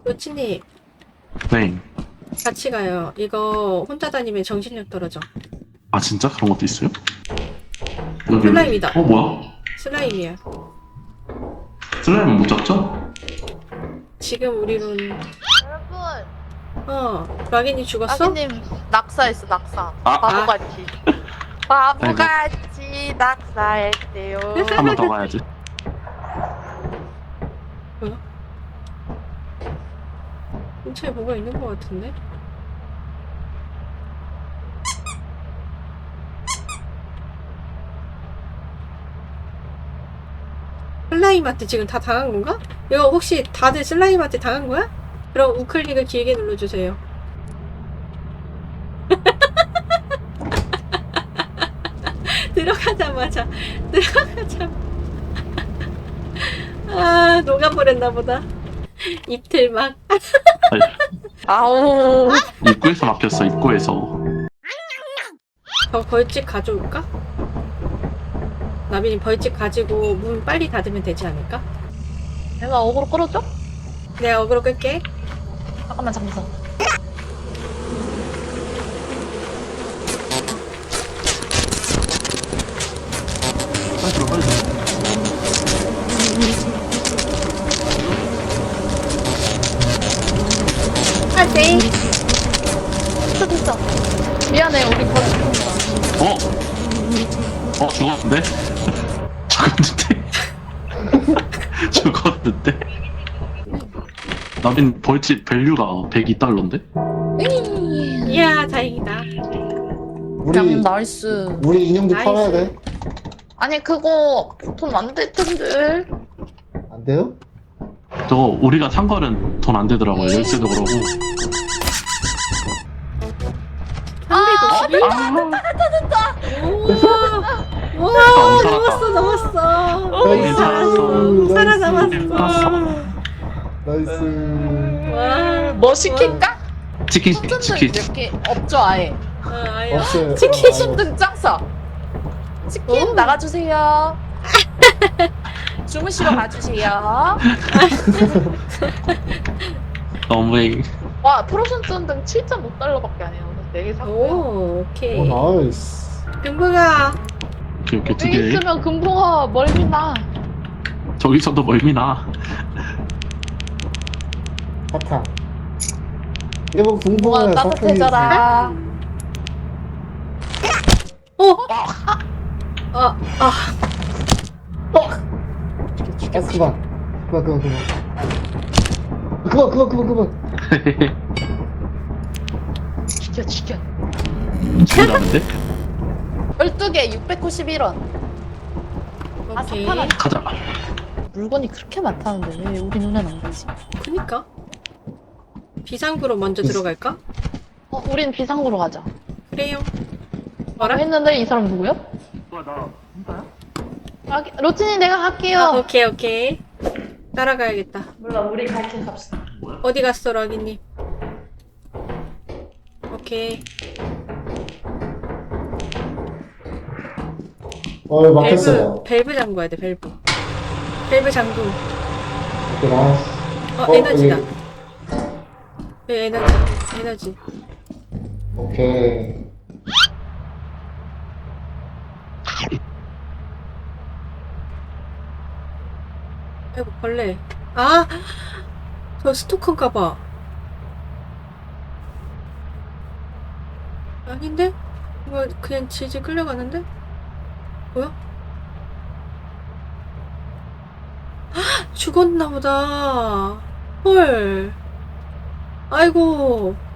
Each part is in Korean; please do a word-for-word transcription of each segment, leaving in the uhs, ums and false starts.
로치님, 네. 같이 가요. 이거 혼자 다니면 정신력 떨어져. 아 진짜 그런 것도 있어요? 여기 슬라임이다. 어 뭐야? 슬라임이야. 슬라임은 못 잡죠? 지금 우리는, 여러분, 어, 락인이 죽었어? 아기님 낙사했어 낙사. 아. 바보같이. 바보같이 낙사했대요. 한 번 더 가야지. 뭐야? 근처에 뭐가 있는 것 같은데? 슬라임한테 지금 다 당한 건가? 이거 혹시 다들 슬라임한테 당한 거야? 그럼 우클릭을 길게 눌러주세요. 들어가자마자 들어가자마자 아 녹아버렸나 보다. 입틀 막. 아우. 입구에서 막혔어. 입구에서. 저 벌집 가져올까? 나빈이 벌집 가지고 문 빨리 닫으면 되지 않을까? 내가 어그로 끌어줘? 내가 어그로 끌게. 잠깐만 잠깐만. 빨리 들어 빨리 들어. 아, 네. 됐어 됐어. 미안해 우리 더 죽는다. 어? 어 죽었는데? 죽었는데? 죽었는데? 나빈 벌집 밸류가 백이 달러인데? 이야, 다행이다. 그냥 우리 나이스. 우리 인형도 나이스. 팔아야 돼. 아니 그거 돈 안 될 텐데. 안 돼요? 저거 우리가 산 거는 돈 안 되더라고요. 열쇠도 그러고. 삼백오십일? 아, 우와, 우와, 살았다. 넘었어, 넘었어. 나이스. 살았어. 살아남았어. 나이스. 와, 뭐 시킬까? 치킨 시켜, 치킨. 이렇게 없죠 아예. 아, 아야. 없어요. 치킨 아, 신등 짱싸. 치킨 오. 나가주세요. 주무시러 가주세요. 너무해. 와 프로션트 등 칠 점 오 달러밖에 안 해요. 네 개 샀고요. 오, 오케이. 오 나이스. 금붕아, 이렇게 이렇게 두 여기 개. 있으면 금붕어 멀미나. 저기서도 멀미나. 사탕. 이거 금붕어 궁금해. 따뜻해져라. 어? 아, 아, 아 그만. 그만 그만 그만. 그만 그만 그만 그만. 죽여 죽여. 죽으라는데? 열두 개 육백구십일 원. 아 오케이. 사파라. 가자. 물건이 그렇게 많다는데 왜 우리 눈엔 안 보이지? 그니까. 비상구로 먼저 들어갈까? 어 우린 비상구로 가자. 그래요. 뭐라 뭐라? 했는데 이 사람 누구야? 나. 아, 로친이 내가 갈게요. 아, 오케이, 오케이. 따라가야겠다. 몰라 우리 같이 갑시다. 어디 갔어, 락이님? 오케이. 어 밸브, 막혔어요. 밸브 잠궈야 돼, 밸브. 밸브 잠금. 오케이 나이스. 어, 어, 에너지다. 여기. 네, 에너지. 에너지. 오케이. 아이고, 벌레. 아! 저 스토커인가 봐. 아닌데? 이거 그냥 질질 끌려가는데? 뭐야? 헉! 죽었나 보다. 헐. 아이고.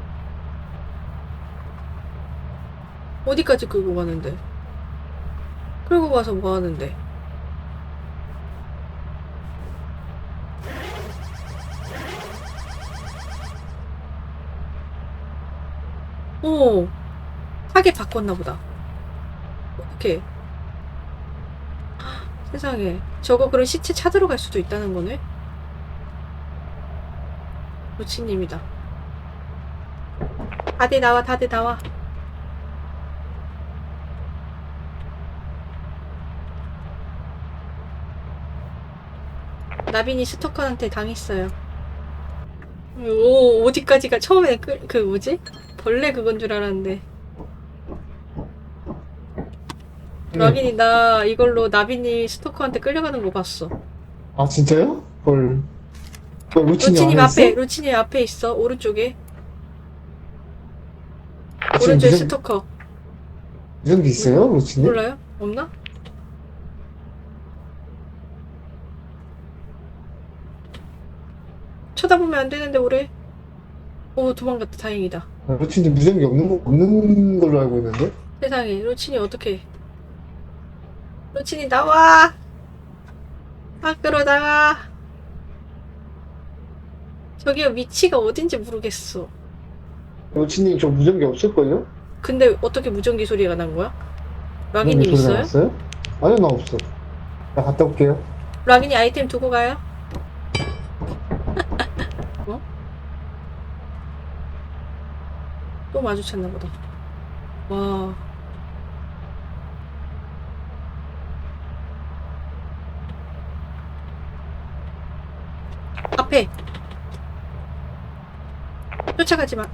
어디까지 끌고 가는데? 끌고 가서 뭐 하는데? 오, 타겟 바꿨나 보다. 어떡해. 세상에. 저거 그럼 시체 찾으러 갈 수도 있다는 거네? 로치님이다. 다들 나와, 다들 나와. 나빈이 스토커한테 당했어요. 오, 어디까지가 처음에 그, 그 뭐지? 벌레 그건 줄 알았는데. 네. 락인이 나 이걸로 나비님 스토커한테 끌려가는 거 봤어. 아 진짜요? 헐. 어, 루치님 루치님 안에 앞에, 있어? 루치님 앞에 있어. 오른쪽에. 지금 오른쪽에 무슨 스토커. 무슨 게 있어요, 루치님? 몰라요? 없나? 쳐다보면 안 되는데 오래. 오, 도망갔다. 다행이다. 아, 루치님 무전기 없는 거 없는 걸로 알고 있는데? 세상에, 루친이 어떡해. 루친이 나와! 밖으로 나가! 저기요, 위치가 어딘지 모르겠어. 루치님 저 무전기 없을걸요? 근데 어떻게 무전기 소리가 난 거야? 무전기 락이님 소리가 있어요? 났어요? 아니요, 나 없어. 나 갔다 올게요. 락이니 아이템 두고 가요? 어? 또 마주쳤나 보다. 와. 앞에. 쫓아가지 마.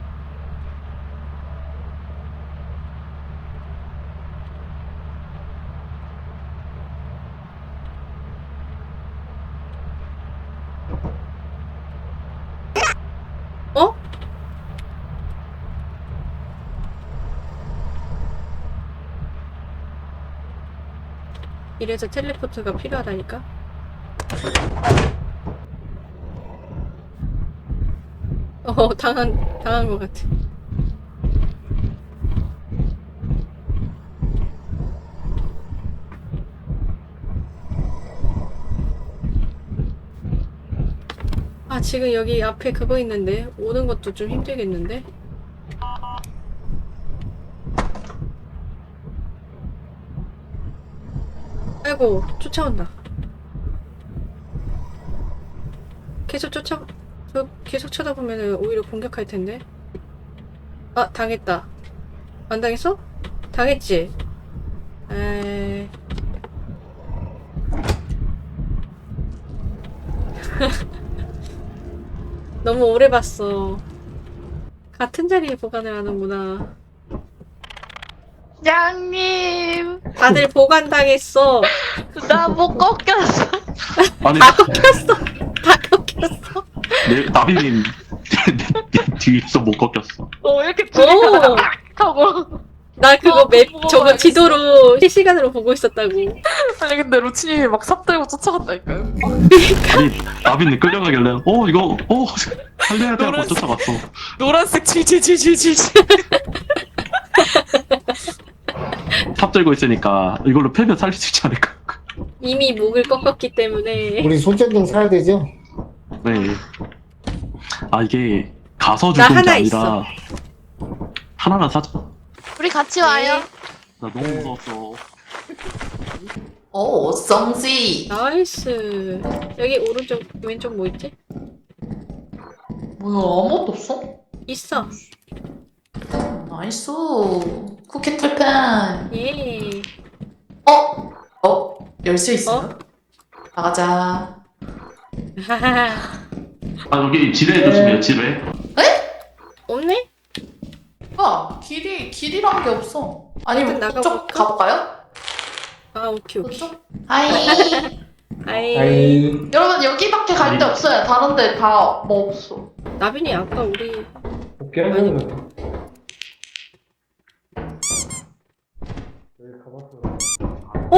어? 이래서 텔레포트가 필요하다니까? 어, 당한, 당한 것 같아. 아, 지금 여기 앞에 그거 있는데? 오는 것도 좀 힘들겠는데? 아이고, 쫓아온다. 계속 쫓아, 저 계속 쳐다보면 오히려 공격할 텐데. 아, 당했다. 안 당했어? 당했지? 에이. 너무 오래 봤어. 같은 자리에 보관을 하는구나. 양님, 다들 보관당했어. 나 못 꺾였어. 아니 다 꺾였어. 다 꺾였어. 내 나비님 뒤에서 못 꺾였어. 어, 이렇게 오! 둘이서 하고. 나 그거 어, 맵, 보고 저거 가야겠어. 지도로 실시간으로 보고 있었다고. 아니, 근데 루치님이 막 삽들고 쫓아갔다니까요. 아니 나비님 끌려가길래 어 이거 어 살려야 돼 하고 노란색. 쫓아갔어. 노란색 칠칠칠칠칠. 탑 들고 있으니까 이걸로 패면 살릴 수 있지 않을까. 이미 목을 꺾었기 때문에. 우리 손전등 사야 되죠? 네. 아 이게 가서 나 죽은 게 하나 아니라 있어. 하나만 사자. 우리 같이 와요. 나 너무 네. 무서웠어. 오, 썽지. 나이스. 여기 오른쪽, 왼쪽 뭐 있지? 뭐야, 아무것도 없어? 있어. 나이스. 쿠키 털펜. 예. 어? 어? 열쇠 있어요? 어? 나가자. 하하하. 아 여기 지뢰 네. 조심해요 지뢰. 없네? 아, 길이, 길이란 게 없어. 아니면 일단 그쪽 나가볼까? 가볼까요? 아, 오케이, 오케이. 그쪽? 하이. 아이. 아이. 여러분, 여기밖에 갈 데 없어요. 다른 데 다 뭐 없어. 나빈이 아까 우리 오케이. 아니. 여기 가봤어. 어?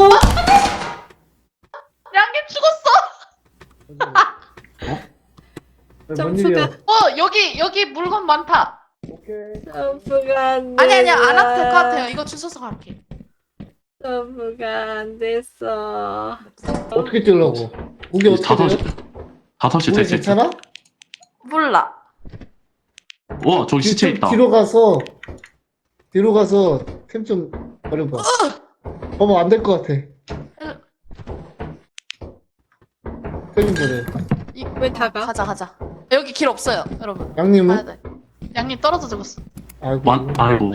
양님 죽었어! 점프가 어, 여기, 여기 물건 많다. 오케이. 점프가 안 돼. 아니, 아니, 안 와도 될 것 같아요. 이거 주워서 갈게. 점프가 안 됐어. 어떻게 뛰려고? 무게 어떻게 다섯 시 돼요? 다섯 시 무게 됐을 때. 괜찮아? 몰라. 와 저기 시체 뒤- 있다. 뒤로 가서 뒤로 가서 템 좀 버려봐. 어머 안 될 것 같아. 템좀 버려. 왜 다 가? 가자, 가자. 여기 길 없어요, 여러분. 가야 양님은? 돼. 양님 떨어져 죽었어. 아이고. 완 아이고.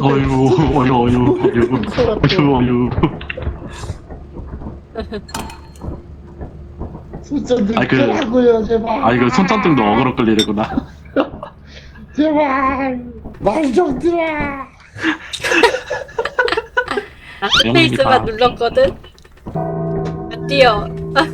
어유, 어유, 어유, 어유, 어유, 어유. 손전등 아이, 그- 끄라고요 제발. 아, 이거 손전등도 어그로 끌리는구나. 제발 말 좀 들어. 아, 스페이스만 눌렀거든? 안 뛰어.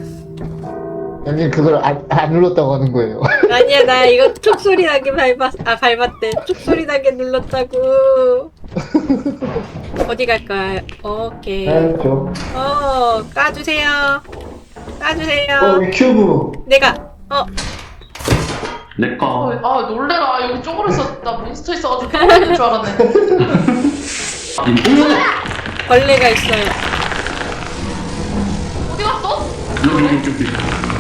형님 그걸 안, 안 눌렀다고 하는 거예요. 아니야, 나 이거 툭 소리 나게 밟았, 아, 밟았대. 툭 소리 나게 눌렀다고. 어디 갈까요? 오케이. 알죠. 어, 까주세요. 까주세요. 어 큐브. 내가, 어, 내 거. 아 놀래라. 여기 쪼그려 있어. 나 몬스터 있어가지고 쪼그려 있는 줄 알았네. 벌레가 있어요. 어디 갔어? 여기, 여기, 여기.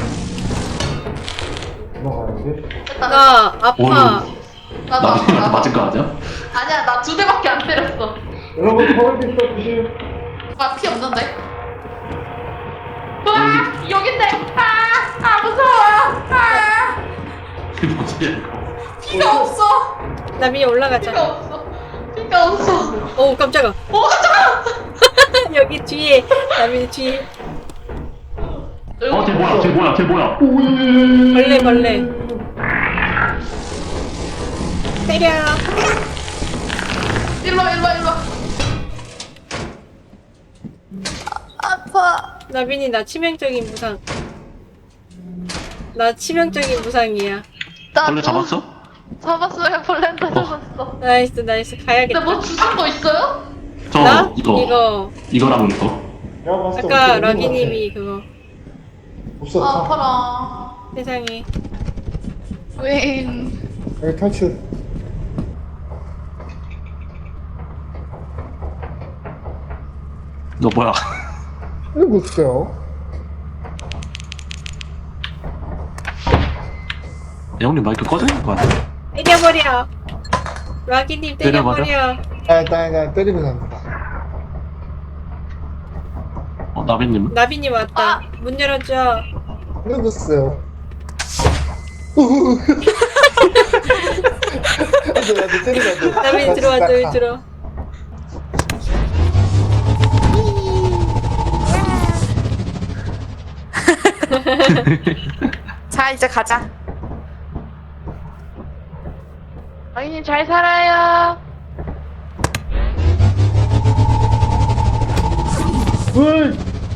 넘어가는데? 됐다. 나 아파. 어휴. 나, 나, 나비한테 나, 맞은 거 아니야? 아니야, 나 두 대밖에 안 때렸어. 여러분 버릇 있어 조심. 아, 피 없는데? 와, 여긴데. 아, 아 무서워. 아, 이게 뭐지, 이거? 피가 없어. 나 위에 피가 올라가자. 없어. 피가 없어. 오, 깜짝아. 오, 깜짝아. 여기 뒤에, 남이 뒤에. 어, 쟤 뭐야, 쟤 뭐야, 쟤 뭐야. 벌레, 벌레. 때려. 일로 와, 일로 와, 일로 와. 아파. 나빈이 나 치명적인 부상. 나 치명적인 부상이야. 나 벌레 잡았어? 잡았어요. 벌레한테 잡았어. 나이스, 나이스. 가야겠다. 근데 뭐 주신 거 있어요? 저, 나? 이거, 이거. 이거랑 이거. 내가 봤을 때 아까 없는 것 러기님이 그거. 같아. 없어. 아, 다. 아파라. 세상에. 웬. 여기 탈출. 너 뭐야? 이거 없어요. 형님 마이크 꺼져 있는 거 같아. 때려버려. 러기님 때려버려? 때려버려. 아 일단 일단 때리면 합니다. 어, 나비님. 나빈이 왔다. 아! 문 열어줘. 이거 없어요. 안돼 안돼 때리면 안돼. 나빈이 들어와, 들 들어. 자, 이제 가자. 아이님 잘 살아요. 물.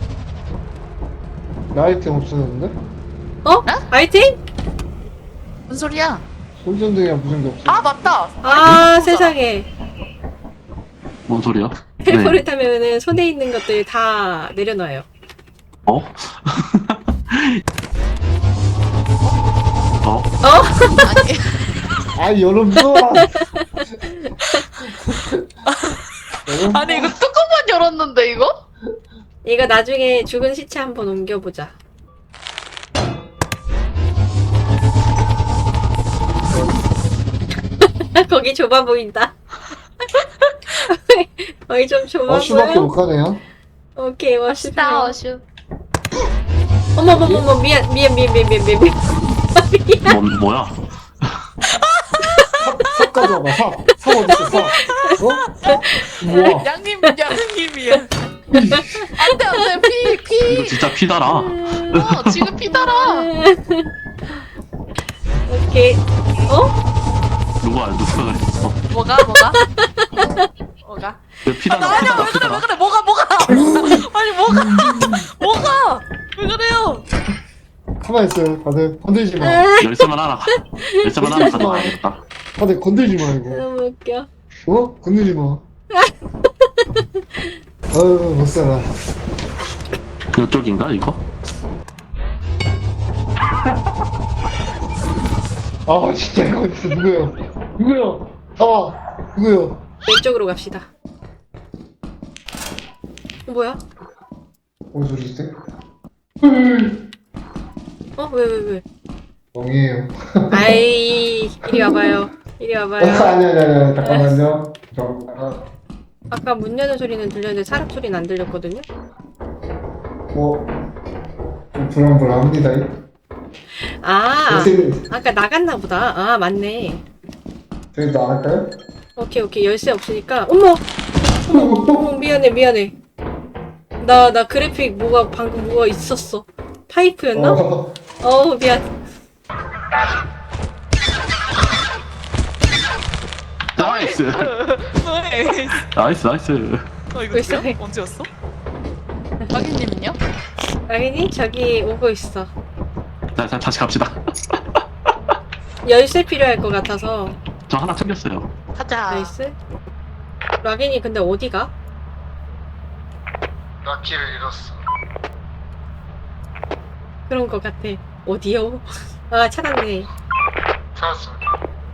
나 아이템 없어졌는데? 어? 아이템? 무슨 소리야? 손전등이랑 무슨 게 없어? 아, 맞다. 아, 세상에. 뭔 소리야? 텔포를 네. 타면은 손에 있는 것들 다 내려놔요. 어? 어? 어? 아 여러분. 여러분. 아니, 이거 뚜껑만 열었는데, 이거? 이거 나중에 죽은 시체 한번 옮겨보자. 거기 좁아 보인다. 거기 좀 좁아 어슈밖에 못 보여. 가네요. 오케이, 워시. 어슈. 어머머머머, 미안, 미안, 미안, 미안, 미안, 미안. 미안. 뭔, 뭐야? 삽, 삽 가져와봐. 삽. 삽 어딨어 삽. 어? 우와. 양님, 양님이야. 안 돼, 안 돼. 피, 피. 이거 진짜 피달아. 어, 지금 피 달아. 오케이. 어? 누가, 누가 그랬어? 뭐가, 뭐가? 뭐가? 왜 피달아, 아니야, 피달아, 왜 그래, 피달아. 왜 그래, 뭐가, 뭐가? 아니, 뭐가? 뭐가? 왜 그래요? 가만히 있어요. 다들 건들지 마. 열쇠만 하나, 열쇠만 하나 가져가야겠다. 다들 건들지 마 이거. 너무 웃겨. 어? 건들지 마. 아유 못 살아. 이쪽인가, 이거? 아 진짜 이거 진짜 누구예요? 누구예요? 나와. 누구예요? 왼쪽으로 갑시다. 어, 뭐야? 뭔 소리지? 어? 왜, 왜, 왜? 멍이에요. 아이, 이리 와봐요. 이리 어, 와봐요. 아니 아니 아니 잠깐만요. 잠깐만. 아까 문 여는 소리는 들렸는데 사람 소리는 안 들렸거든요? 뭐 좀 불안불안합니다. 아, 선생님 아까 나갔나 보다. 아, 맞네. 저희 나갈까요? 오케이 오케이 열쇠 없으니까 어머 어머 어머 미안해 미안해 나 나 그래픽 뭐가 방금 뭐가 있었어 파이프였나? 어. 어우 미안 나이스. 네. 나이스 나이스. 어 이거 벌써 누구야? 해. 언제였어? 박인님은요? 라인이 저기 오고 있어 자, 자 다시 갑시다. 열쇠 필요할 것 같아서 저 하나 챙겼어요. 가자. 나이스 락인이 근데 어디가? 나 길을 잃었어. 그런 것 같아 어디요? 아 찾았네 찾았습니다.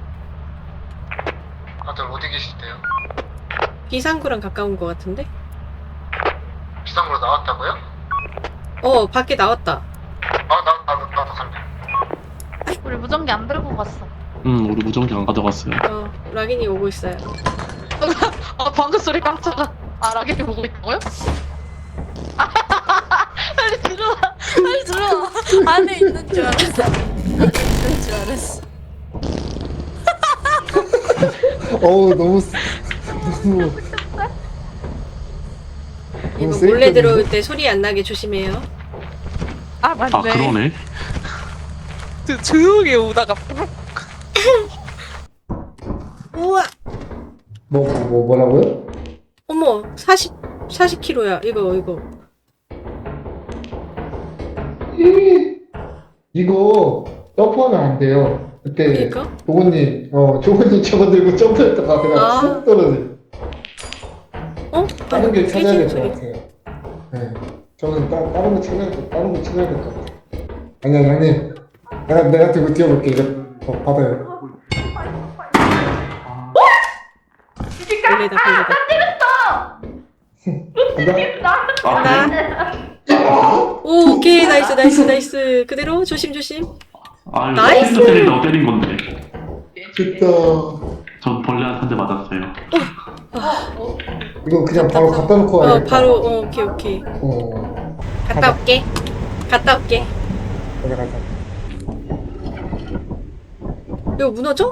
다들 어디 계시대요? 비상구랑 가까운 것 같은데? 비상으로 나왔다고요? 어 밖에 나왔다 아, 나, 나도, 나도 갈래. 우리 무전기 안 들고 갔어. 음 우리 무전기 안 가져갔어요. 어 락인이 오고 있어요 아 방금 소리 깜짝아. 아 라켓이 보고 있다고요? 빨리 들어와. 빨리 들어와. 안에 있는 줄 알았어. 있는 줄 알았어. 어우 너무 쓰- 너무 이거 너무 몰래 세이프인데? 들어올 때 소리 안 나게 조심해요 아 맞네. 아 그러네. 저 조용히 오다가 우와 뭐, 뭐, 뭐 뭐라고요? 어머 사십 사십 킬로야 이거 이거 이거 점프하면 안 돼요. 그때 그러니까? 조건님 어 조건님 저거 들고 점프했다가 그냥 아. 쑥 떨어져. 어? 다른 게 찾아야 될 깨지는 것 소리. 같아요. 네. 저는 따, 다른 거 찾아야 돼. 다른 거 찾아야 될 것 같아요. 아니야, 형님. 내가 내가 들고 뛰어볼게. 이거 어, 받아요. 벌레다 벌레다 간다. 간다 오 오케이 나이스 나이스 나이스 그대로 조심 조심 아 나이스! 나이스. 때린다고 때린 건데. 됐다. 전 벌레한테 한 대 맞았어요. 이거 그냥 바로 갖다 놓고 어 와야겠다. 바로 어 오케이 오케이 어. 갔다 올게 갔다 올게 가자 가자. 이거 무너져?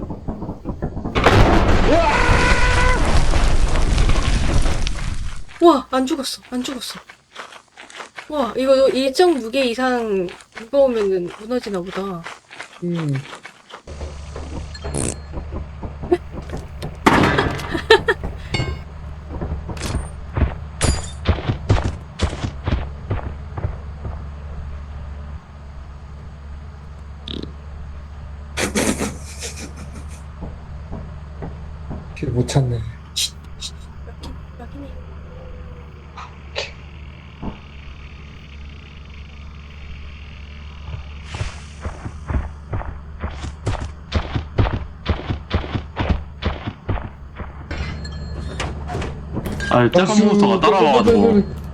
와, 안 죽었어. 안 죽었어. 와, 이거 일정 무게 이상 무거우면은 무너지나 보다. 음. 길 못 찾네. 여기네. 아 짝꿍 몬스터가 따라와가지고